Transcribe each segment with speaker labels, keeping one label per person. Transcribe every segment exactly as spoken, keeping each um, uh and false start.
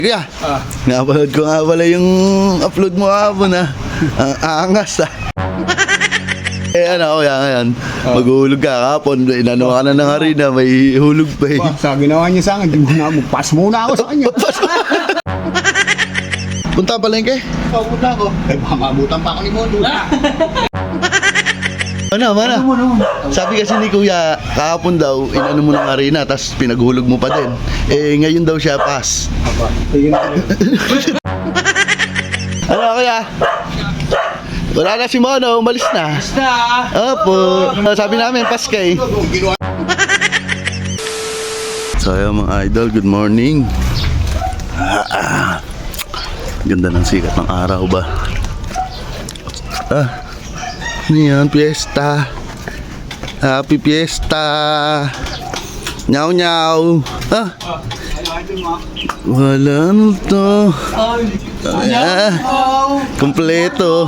Speaker 1: Kaya,
Speaker 2: Ah.
Speaker 1: napanood ko nga pala yung upload mo hapon ha. Ang angas ha. Eh ano, kaya ngayon,
Speaker 2: Ah.
Speaker 1: maghuhulog ka kapon. Inano ka na ng harina, may hulog pa eh.
Speaker 2: Ba, sa ginawa niya sa akin, di mo na magpas muna ako sa kanya.
Speaker 1: Punta palengke?
Speaker 2: Oh, punta ako. Eh, baka maabutan pa ako ni Mondo.
Speaker 1: Ano, mana? Sabi kasi ni Kuya, kahapon daw, inano mo ng harina, tapos pinaghulog mo pa din. Eh, ngayon daw siya pass.
Speaker 2: Aba, sige na.
Speaker 1: Ano, Kuya? Wala na si Mono, umalis na.
Speaker 3: Basta!
Speaker 1: Opo. Ah, sabi namin, Paskay. So, ayun mga idol, good morning. Ah, ah. Ganda ng sikat ng araw ba? Ah, ano yan? Fiesta. Happy Fiesta. Nyaw nyaw. Ah, wala na to. Ah, kompleto.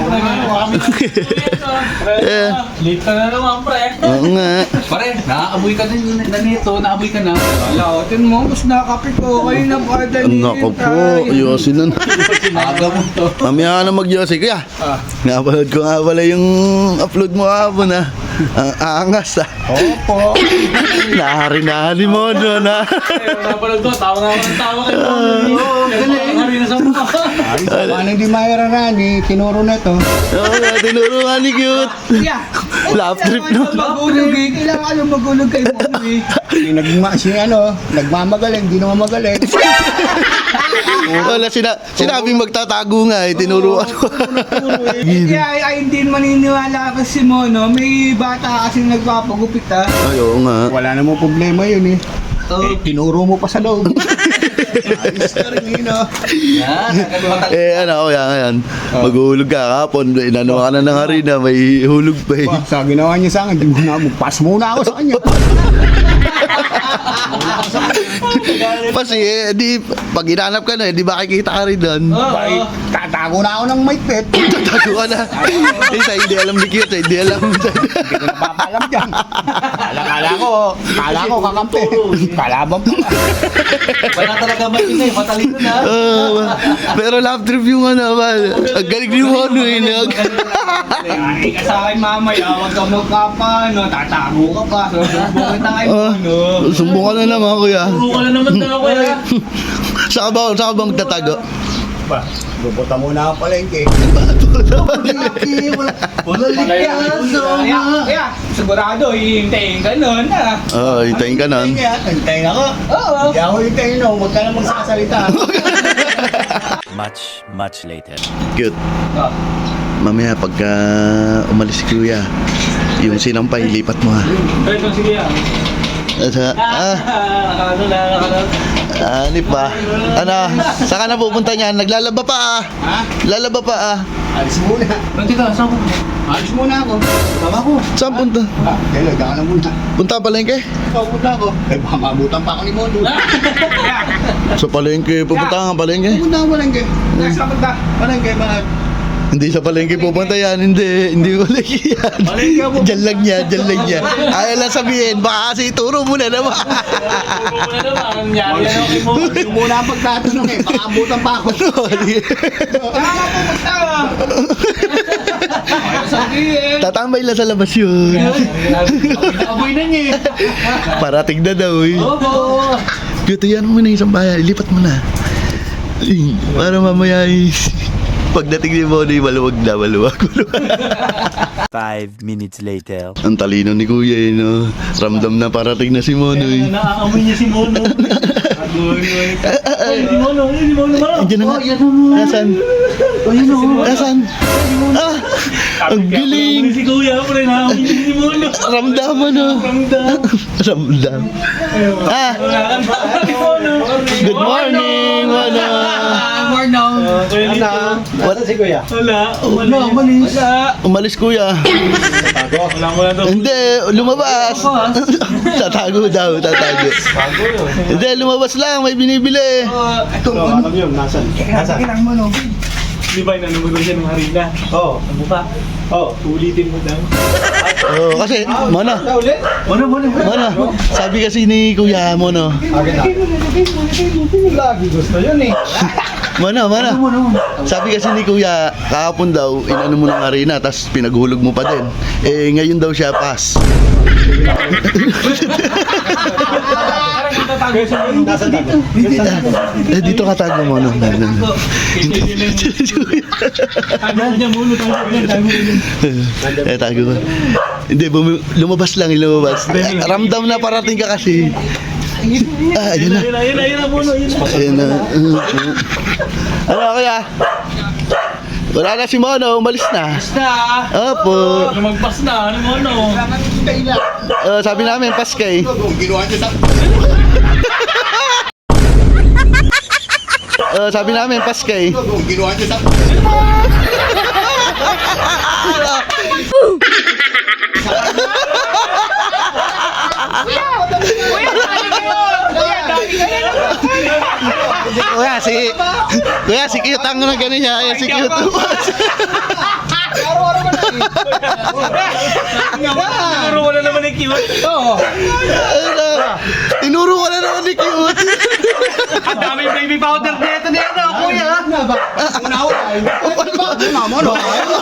Speaker 1: Eh,
Speaker 3: Late ka na naman, pre.
Speaker 1: oo nga.
Speaker 3: Pare, naaamoy ka din na nito, naamoy ka na.
Speaker 2: Wala, tin mo, mas nakakapit ko. Kayo na pa dali.
Speaker 1: Nako po, yosin nun.
Speaker 3: Aga mo to.
Speaker 1: Mamaya ka na mag-yosi. Kaya,
Speaker 2: Ah.
Speaker 1: napanood ko nga pala yung upload mo hapon ha. Ang angas ha.
Speaker 2: Opo.
Speaker 1: Naharinahan ni Mono na.
Speaker 3: Napanood ko, tawa nga ako ng tawa kay Mono. Oo, galing. Harina sa mukha.
Speaker 2: Ay, paano hindi mairarani? Tinuro na to.
Speaker 1: Oo nga, tinuro nga ni Cute.
Speaker 2: Yeah.
Speaker 1: Laugh trip no.
Speaker 2: Magulog eh. Kailangan ka yung magulog kay Mondo eh. Si, nagma, si ano, nagmamagaling, di naman magaling.
Speaker 1: Wala, sina sinabing magtatago nga eh. Tinuruan ko.
Speaker 4: Hindi ay, ay hindi maniniwala kasi si Mono, may bata kasi nagpapagupit ha.
Speaker 1: Ay, oo nga.
Speaker 2: Wala namang problema yun eh. Eh, tinuro mo pa sa loob. Ayos na rin yun ah.
Speaker 3: Yan, nagkaliwatan.
Speaker 1: Eh ano, kaya ngayon, maghuhulog ka kapon. Inano ka na ng harina, may hulog pa eh.
Speaker 2: Ba, sa ginawa niya sa akin, di mo na magpas muna ako sa kanya.
Speaker 1: Kasi eh, di, pag hinanap ka na, eh, di ba kikita ka rin doon?
Speaker 2: Ay, tatago na ako ng maitpet.
Speaker 1: Tatago ka na. Eh, sa hindi alam ni Cute, sa hindi alam.
Speaker 2: Hindi ko napapalam dyan. Kala, kala ko, kala ko kakampi. Kalaban pa.
Speaker 3: Wala talaga maingay, matalino na.
Speaker 1: Oh, pero love trip yung ano, man. Ang galing ni Mono eh. Nag...
Speaker 4: Ay, sa akin mamaya, huwag ka magkapa, no, tatago ka pa. So, sumbong kita kay
Speaker 1: Ah,
Speaker 4: Mono.
Speaker 1: sumbong ka na naman, kuya.
Speaker 3: Puro ka na naman daw, kuya.
Speaker 1: Saka ba, saka ba magtatago?
Speaker 2: Ba, lubutan muna ako palengke.
Speaker 4: Wala likyaso. Kaya, kaya, sigurado, hihintayin ka nun ha.
Speaker 1: Oo, oh, hintayin ka nun.
Speaker 2: Kaya, hintayin ako.
Speaker 4: Oo.
Speaker 2: Hindi ako hintayin no, huwag ka na magsasalita.
Speaker 5: Much, much later.
Speaker 1: Cute.
Speaker 4: Ah.
Speaker 1: Mamaya pagka umalis si kuya, yung sinampay, lipat mo ha.
Speaker 3: Pwede kong sige yan.
Speaker 1: Asa, ah,
Speaker 3: Nakano na, nakano.
Speaker 1: ani pa. Ano, saan ka na pupunta niyan? Naglalaba pa ah.
Speaker 2: Ha?
Speaker 1: Lalaba pa ah.
Speaker 2: Alis muna.
Speaker 3: Pwede ka, saan ko?
Speaker 2: Alis muna ako. Tama ko.
Speaker 1: Saan punta?
Speaker 2: Ah, hello, daka na muna.
Speaker 1: Punta palengke?
Speaker 2: Ikaw, punta ako. Eh, baka maabutan pa ako ni Mondo.
Speaker 1: Sa palengke, pupunta ka nga palengke?
Speaker 2: Punta ako palengke.
Speaker 4: Nasa punta.
Speaker 2: Palengke, bakit?
Speaker 1: Hindi sa palengke pupunta yan, hindi, hindi palengke yan.
Speaker 2: Palengke ako.
Speaker 1: Diyan lang yan, diyan lang yan. Ayaw lang sabihin, baka kasi ituro mo na naman.
Speaker 3: Puro mo na naman, ang nangyari yan kay Mono.
Speaker 2: Yung muna ang pagtatanong eh, baka abutan pa ako.
Speaker 4: Tama po, magtawa. Ayaw sabihin.
Speaker 1: Tatambay lang sa labas yun.
Speaker 3: Naamoy na niya eh.
Speaker 1: Parating na daw eh.
Speaker 3: Oo.
Speaker 1: Cute, yan mo na isang bayan, ilipat mo na. Ay, para mamaya eh, pagdating ni Mono, maluwag na, maluwag.
Speaker 5: Five minutes later.
Speaker 1: Ang talino ni Kuya eh, no? Ramdam na parating na si Mono eh.
Speaker 3: Naaamoy niya si Mono. Agoy, oy. Oy, si Mono, oy, si Mono, Mono.
Speaker 1: Andiyan na nga.
Speaker 3: Oh, yan na mo.
Speaker 1: Nasaan?
Speaker 3: Oh, yan o.
Speaker 1: Nasaan? Ah! Ang galing!
Speaker 3: Si Kuya, pre, naaamoy niya si Mono.
Speaker 1: Ramdam mo, no?
Speaker 3: Ramdam.
Speaker 1: Ramdam. Ah!
Speaker 3: Wala kang baka si Mono.
Speaker 1: Good morning, Mono!
Speaker 4: Mono.
Speaker 3: Wala.
Speaker 2: Wala si Kuya.
Speaker 3: Wala. Wala. Umalis. Wala.
Speaker 1: Umalis, Kuya.
Speaker 3: Wala mo na to.
Speaker 1: Hindi, lumabas. Tatago daw, tatago. Hindi, lumabas lang, may binibili.
Speaker 2: Ito, ano yun? Nasaan? Nasaan?
Speaker 4: Kailangan mo, no.
Speaker 3: Di ba, inano mo daw siya ng harina?
Speaker 2: Oo.
Speaker 3: Ang mukha.
Speaker 2: Oo.
Speaker 3: Ulitin mo daw.
Speaker 1: Oo, kasi, Mono,
Speaker 2: Ikaw ulit?
Speaker 3: Ano, ano,
Speaker 1: Mono, sabi kasi ni Kuya Mono,
Speaker 2: Agad na. Lagi gusto yun eh.
Speaker 1: Mono, Mono, sabi kasi ni Kuya, kahapon daw, inano mo ng arena, tapos pinaghulog mo pa din. Eh, ngayon daw siya pass.
Speaker 3: Parang natatago siya.
Speaker 2: Nasa tago.
Speaker 1: Eh, dito ka tago, Mono.
Speaker 3: Tago niya muna, tago niya, tago niya.
Speaker 1: Eh, tago ko. Hindi, bumi- lumabas lang, lumabas. Eh, ramdam na parating ka kasi. Ah, ayun na.
Speaker 3: Ayun na, ayun na, ayun na, Mono, ayun na.
Speaker 1: Ayun na. Ano, Kuya? Wala na si Mono, umalis na.
Speaker 3: Basta,
Speaker 1: Opo.
Speaker 3: lumagpas na, ano, Mono?
Speaker 1: Oh, sabi namin, Paskay.
Speaker 2: Ginawa niyo sa...
Speaker 1: Oh, sabi namin, Paskay.
Speaker 2: Ginawa niyo sa...
Speaker 1: Kuya, si... Kuya, si cute ang na gano'n niya. Ayan, si cute.
Speaker 2: Araw-araw ka na eh.
Speaker 3: Siguro wala naman yung cute.
Speaker 2: Oo.
Speaker 1: Ano? Tinuro ka na naman ni cute.
Speaker 3: Ang daming baby powder dito na yan, oh, kuya.
Speaker 2: Ano ba? Una ako ay. Ano ba? Mama, no?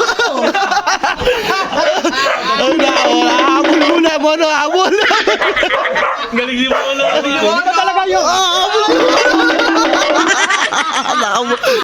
Speaker 1: Ay, na, habol muna, Mono, habol.
Speaker 3: Galing si Mono.
Speaker 2: Ano talaga yun?
Speaker 1: Habol.